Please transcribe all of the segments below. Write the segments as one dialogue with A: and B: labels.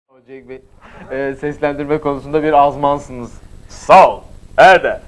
A: Cenk Bey, seslendirme konusunda bir azmansınız.
B: Sağ ol. Erdem.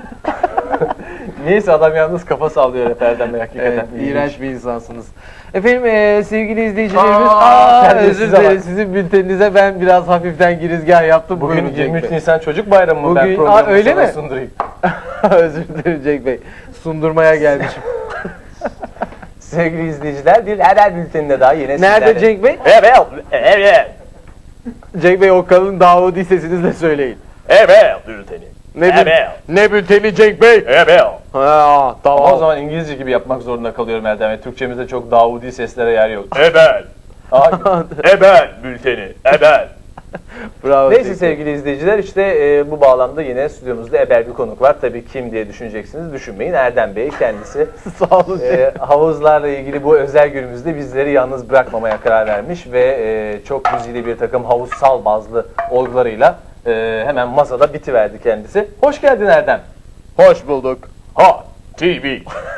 C: Neyse adam yalnız kafa sallıyor hep Erdem Bey hakikaten.
A: Evet, iğrenç bir insansınız. Efendim sevgili izleyicilerimiz, özür
C: terbiyesize
A: dilerim,
C: bak.
A: sizin bülteninize ben biraz hafiften girizgah yaptım.
C: Bugün
A: Buyurun Cenk
C: 23
A: Bey.
C: Nisan Çocuk Bayramı mı? Ben
A: Bugün-
C: programı
A: öyle
C: sana
A: mi?
C: sundurayım.
A: Özür dilerim Cenk Bey, sundurmaya gelmişim.
C: Sevgili izleyiciler bir haber bülteninde daha yine
A: Nerede
C: sizlerle.
A: Cenk Bey?
B: Evet. Evet.
A: Cenk Bey o kalın Davudi sesinizle söyleyin.
B: Evet. Bülteni. Evet.
A: Ne bülteni Cenk Bey?
B: Evet.
A: Ha, tamam.
C: Ama o zaman İngilizce gibi yapmak zorunda kalıyorum Erdem Bey. Türkçemizde çok Davudi seslere yer yok.
B: Evet.
C: Aa,
B: Evet. Bülteni. Evet.
A: Bravo.
C: Neyse
A: Cenk Bey.
C: sevgili izleyiciler işte bu bağlamda yine stüdyomuzda eber bir konuk var. Tabii kim diye düşüneceksiniz, düşünmeyin. Erdem Bey kendisi
A: Sağ olun.
C: havuzlarla ilgili bu özel günümüzde bizleri yalnız bırakmamaya karar vermiş ve çok güzide bir takım havuzsal bazlı olgularıyla hemen masada bitiverdi kendisi. Hoş geldin Erdem.
A: Hoş bulduk.
B: Ha. TV.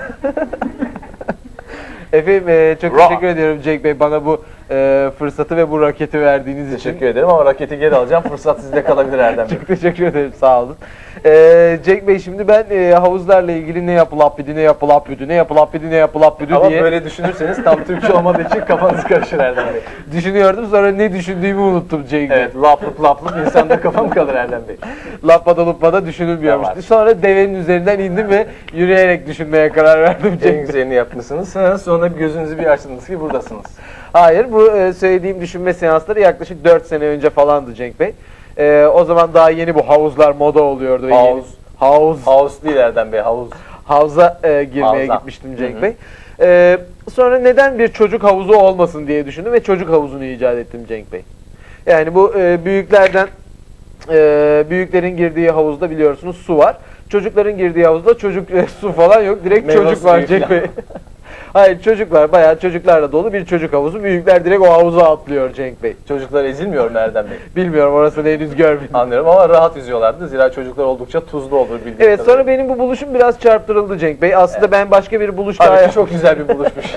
A: Efendim çok
B: Ra.
A: teşekkür ediyorum Cenk Bey bana bu fırsatı ve bu raketi verdiğiniz için.
C: Teşekkür ederim ama raketi geri alacağım. Fırsat sizde kalabilir Erdem Bey.
A: Çok teşekkür ederim, sağ olun. Cenk Bey şimdi ben havuzlarla ilgili ne yapılapbidi, ne yapılapbidi, ne yapılapbidi, ne yapılapbidi
C: Ama
A: diye
C: böyle düşünürseniz tam Türkçe olmadığı için kafanız karışır Erdem Bey.
A: düşünüyordum. Sonra ne düşündüğümü unuttum Cenk Bey.
C: Evet, laplık insanda kafam kalır Erdem Bey.
A: Lapada lupada düşünülmüyormuş.
C: Tamam.
A: Sonra devenin üzerinden indim ve yürüyerek düşünmeye karar verdim
C: En
A: Cenk Bey.
C: güzelini yapmışsınız. Sonra bir gözünüzü bir açtınız ki buradasınız.
A: Hayır, bu söylediğim düşünme seansları yaklaşık 4 sene önce falandı Cenk Bey. O zaman daha yeni bu havuzlar moda oluyordu. ve yeni- Havuz.
C: Havuz değil Erdem Bey, havuz.
A: Havuza girmeye
C: Havuza.
A: gitmiştim Cenk Bey. Sonra neden bir çocuk havuzu olmasın diye düşündüm ve çocuk havuzunu icat ettim Cenk Bey. Yani bu büyüklerden büyüklerin girdiği havuzda biliyorsunuz su var. Çocukların girdiği havuzda çocuk su falan yok. Direkt
C: Meyve
A: çocuk var
C: suyu
A: Cenk
C: falan.
A: Bey. Hayır, çocuk var. Bayağı çocuklarla dolu bir çocuk havuzu. Büyükler direkt o havuza atlıyor Cenk Bey.
C: Çocuklar ezilmiyor mu Erdem Bey?
A: Bilmiyorum, orasını henüz görmedim.
C: Anlıyorum ama rahat yüzüyorlardı. Zira çocuklar oldukça tuzlu olur bildiğim
A: Evet, sonra
C: kadarıyla.
A: benim bu buluşum biraz çarptırıldı Cenk Bey. Aslında ben başka bir buluş daha
C: Halbuki çok güzel bir buluşmuş.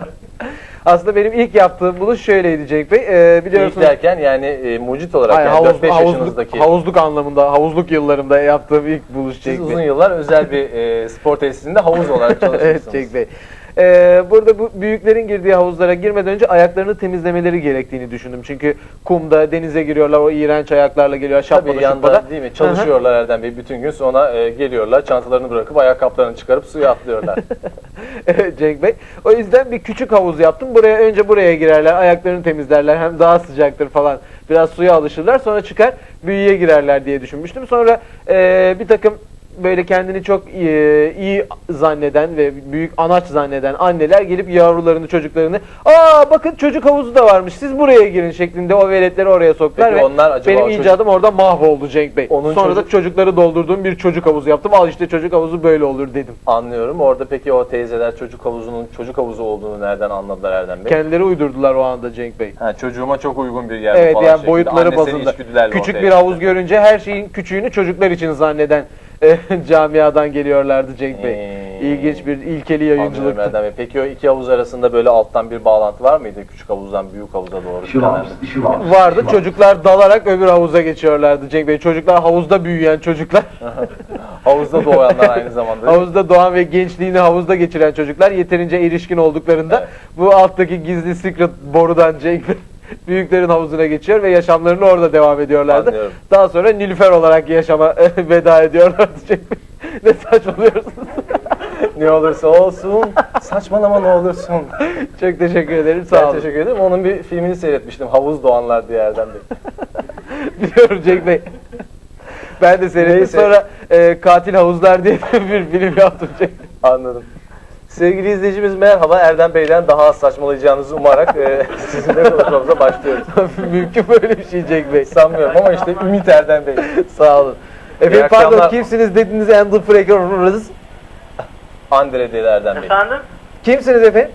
A: Aslında benim ilk yaptığım buluş şöyleydi Cenk Bey.
C: İlk
A: Biliyorsunuz
C: derken yani mucit olarak
A: hayır,
C: yani 4-5 yaşınızdaki.
A: havuzluk anlamında, havuzluk yıllarımda yaptığım ilk buluş
C: Siz
A: Cenk
C: uzun
A: Bey.
C: yıllar özel bir spor tesisinde havuz olarak çalışmışsınız.
A: Evet Cenk Bey. Burada bu büyüklerin girdiği havuzlara girmeden önce ayaklarını temizlemeleri gerektiğini düşündüm. Çünkü kumda, denize giriyorlar, o iğrenç ayaklarla geliyor, şapkada
C: Tabii yanda
A: şapkada.
C: değil mi? Çalışıyorlar Erdem Bey bütün gün, sonra geliyorlar çantalarını bırakıp ayakkabılarını çıkarıp suya atlıyorlar.
A: Evet Cenk Bey. O yüzden bir küçük havuz yaptım. Önce buraya girerler, ayaklarını temizlerler, hem daha sıcaktır falan. Biraz suya alışırlar, sonra çıkar büyüye girerler diye düşünmüştüm. Sonra bir takım böyle kendini çok iyi zanneden ve büyük anaç zanneden anneler gelip yavrularını, çocuklarını, "Aa bakın çocuk havuzu da varmış, siz buraya girin" şeklinde o veletleri oraya soktular
C: Peki
A: ve
C: onlar acaba
A: benim
C: o çocuk-
A: icadım orada mahvoldu Cenk Bey.
C: Onun
A: Sonra da
C: çocuk-
A: çocukları doldurduğum bir çocuk havuzu yaptım. Al işte çocuk havuzu böyle olur dedim.
C: Anlıyorum. Orada peki o teyzeler çocuk havuzunun çocuk havuzu olduğunu nereden anladılar Erdem Bey?
A: Kendileri uydurdular o anda Cenk Bey.
C: Ha, çocuğuma çok uygun bir yer
A: Evet,
C: falan
A: yani
C: şeklinde.
A: boyutları
C: Annesinin
A: bazında.
C: içgüdülerle
A: Küçük
C: ortaya
A: bir
C: çıktı.
A: havuz görünce her şeyin küçüğünü çocuklar için zanneden camiadan geliyorlardı Cenk Bey. İlginç bir ilkeli
C: Anlıyorum
A: yayıncılıktı.
C: Erdem Bey. Peki o iki havuz arasında böyle alttan bir bağlantı var mıydı? Küçük havuzdan büyük havuza doğru.
A: Vardı, çocuklar dalarak öbür havuza geçiyorlardı Cenk Bey. Çocuklar, havuzda büyüyen çocuklar,
C: Havuzda doğanlar aynı zamanda.
A: havuzda doğan ve gençliğini havuzda geçiren çocuklar yeterince erişkin olduklarında
C: Evet.
A: bu alttaki gizli secret borudan Cenk Bey büyüklerin havuzuna geçiyor ve yaşamlarını orada devam ediyorlardı.
C: Anlıyorum.
A: Daha sonra Nilüfer olarak yaşama veda ediyorlardı Cenk Bey. Ne saçmalıyorsunuz?
C: Ne olursa olsun, saçmalama ne olursun.
A: Çok teşekkür ederim,
C: Ben
A: sağ olun.
C: teşekkür ederim. Onun bir filmini seyretmiştim. Havuz Doğanlar diye Erdem Bey.
A: Biliyorum Cenk Bey. Ben de seyrettim.
C: Neyse.
A: Sonra Katil Havuzlar diye bir film yaptım Cenk Bey.
C: Anladım. Sevgili izleyicimiz merhaba. Erdem Bey'den daha az saçmalayacağınızı umarak sizinle konuşmamıza başlıyoruz.
A: Mümkün böyle bir şey Cenk Bey.
C: Sanmıyorum ama işte Ümit Erdem Bey.
A: Sağ olun. Efendim pardon,
C: akşamlar.
A: kimsiniz dediniz and the Fragrance?
C: Andre dedi Erdem Bey.
D: Efendim?
A: Kimsiniz efendim?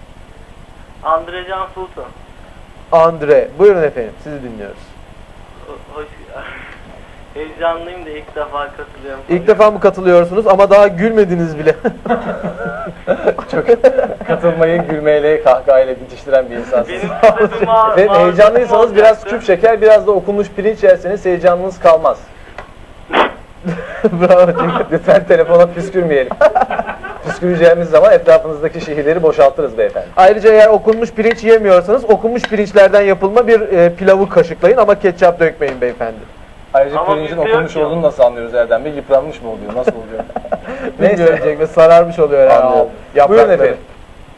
D: Andrecan Sultan.
A: Andre. Buyurun efendim, sizi dinliyoruz.
D: Hoş Heyecanlıyım da ilk defa katılıyorum.
A: İlk defa mı katılıyorsunuz ama daha gülmediniz bile.
C: Çok katılmayı gülmeyle, kahkahayla bitiştiren bir insansınız.
D: Benim sözüm
C: Efendim heyecanlıysanız biraz küçük şeker, biraz da okunmuş pirinç yerseniz heyecanınız kalmaz.
A: Bravo Cenk.
C: Lütfen telefona püskürmeyelim. Püsküreceğimiz zaman etrafınızdaki şehirleri boşaltırız beyefendi.
A: Ayrıca eğer okunmuş pirinç yemiyorsanız okunmuş pirinçlerden yapılma bir pilavı kaşıklayın ama ketçap dökmeyin beyefendi.
C: Ayrıca
D: Ama
C: pirincin
D: bizde
C: okunmuş
D: yok ya.
C: olduğunu nasıl anlıyoruz Erdem Bey? Yıpranmış mı oluyor? Nasıl oluyor?
A: Bilmiyorum Cenk Bey, sararmış oluyor herhalde.
C: Anlıyorum.
A: Yaprakları.
C: Buyurun efendim.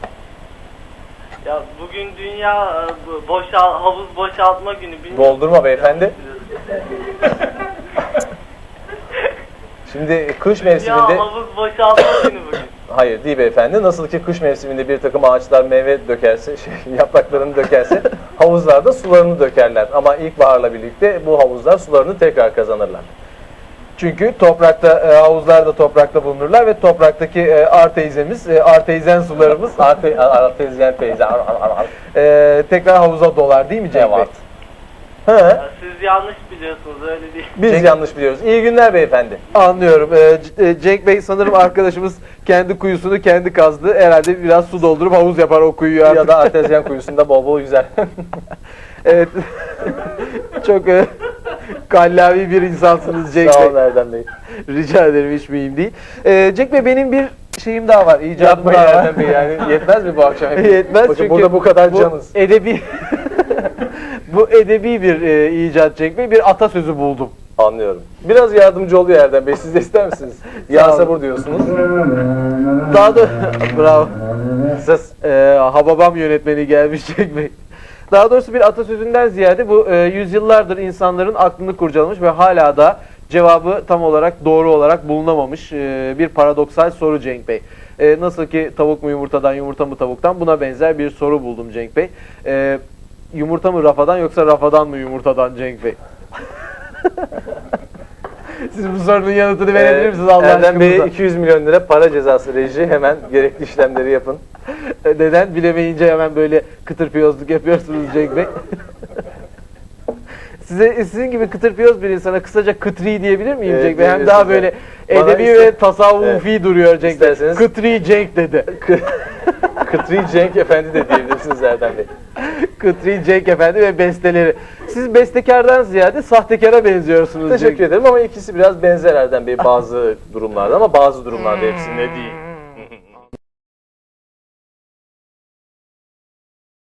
D: Ya bugün dünya havuz boşaltma günü. Bilmiyorum.
C: Doldurma beyefendi. Şimdi kış
D: Dünya
C: mevsiminde...
D: havuz boşaltma günü bugün.
C: Hayır değil beyefendi. Nasıl ki kış mevsiminde bir takım ağaçlar meyve dökerse, yapraklarını dökerse havuzlarda sularını dökerler. Ama ilkbaharla birlikte bu havuzlar sularını tekrar kazanırlar.
A: Çünkü toprakta, havuzlar da toprakta bulunurlar ve topraktaki artezimiz, artezen sularımız
C: Artezyen teyze.
A: tekrar havuza dolar değil mi Cenk Bey?
C: Evet. He,
D: Ya siz yanlış biliyorsunuz, öyle değil.
C: biz yanlış biliyoruz. İyi günler beyefendi.
A: Anlıyorum. Cenk Bey sanırım arkadaşımız kendi kuyusunu kendi kazdı. Herhalde biraz su doldurup havuz yapar o kuyuyu artık.
C: Ya da artezyen kuyusunda bol bol güzel.
A: Evet. Çok kallavi bir insansınız Cenk
C: Sağ
A: Bey.
C: olun Erdem Bey.
A: Rica ederim, hiç mühim değil. Cenk Bey, benim bir şeyim daha var. İcadım
C: Yapmayın
A: daha var.
C: Erdem Bey yani. Yetmez mi bu akşam?
A: Yetmez
C: Bakın
A: çünkü
C: burada bu kadar canız.
A: edebi bu edebi bir icat Cenk Bey. Bir atasözü buldum.
C: Anlıyorum. Biraz yardımcı oluyor Erdem Bey. Siz de ister misiniz? Ya
A: olun.
C: sabır diyorsunuz.
A: Daha da bravo.
C: Siz
A: Hababam yönetmeni gelmiş Cenk Bey. Daha doğrusu bir atasözünden ziyade bu yüzyıllardır insanların aklını kurcalamış ve hala da cevabı tam olarak doğru olarak bulunamamış bir paradoksal soru Cenk Bey. Nasıl ki tavuk mu yumurtadan, yumurta mı tavuktan, buna benzer bir soru buldum Cenk Bey. Yumurta mı rafadan yoksa rafadan mı yumurtadan Cenk Bey? Siz bu sorunun yanıtını verebilir misiniz Allah
C: Erdem Bey'e
A: aşkına?
C: 200 milyon lira para cezası reji. Hemen gerekli işlemleri yapın.
A: Neden? Bilemeyince hemen böyle kıtır piyozluk yapıyorsunuz Cenk Bey. Sizin gibi kıtır piyoz bir insana kısaca kıtri diyebilir miyim Cenk Bey? Hem
C: diyebilirsiniz,
A: daha böyle
C: evet. Bana
A: edebi
C: iste-
A: ve tasavvufi duruyor Cenk Bey.
C: İsterseniz-
A: Kıtri Cenk dedi.
C: Kıtri Cenk Efendi de diyebilirsiniz Erdem Bey.
A: Kıtri Cenk Efendi ve besteleri. Siz bestekardan ziyade sahtekara benziyorsunuz
C: Teşekkür
A: Cenk.
C: ederim ama ikisi biraz benzer Erdem Bey bazı durumlarda ama bazı durumlarda hepsinde değil.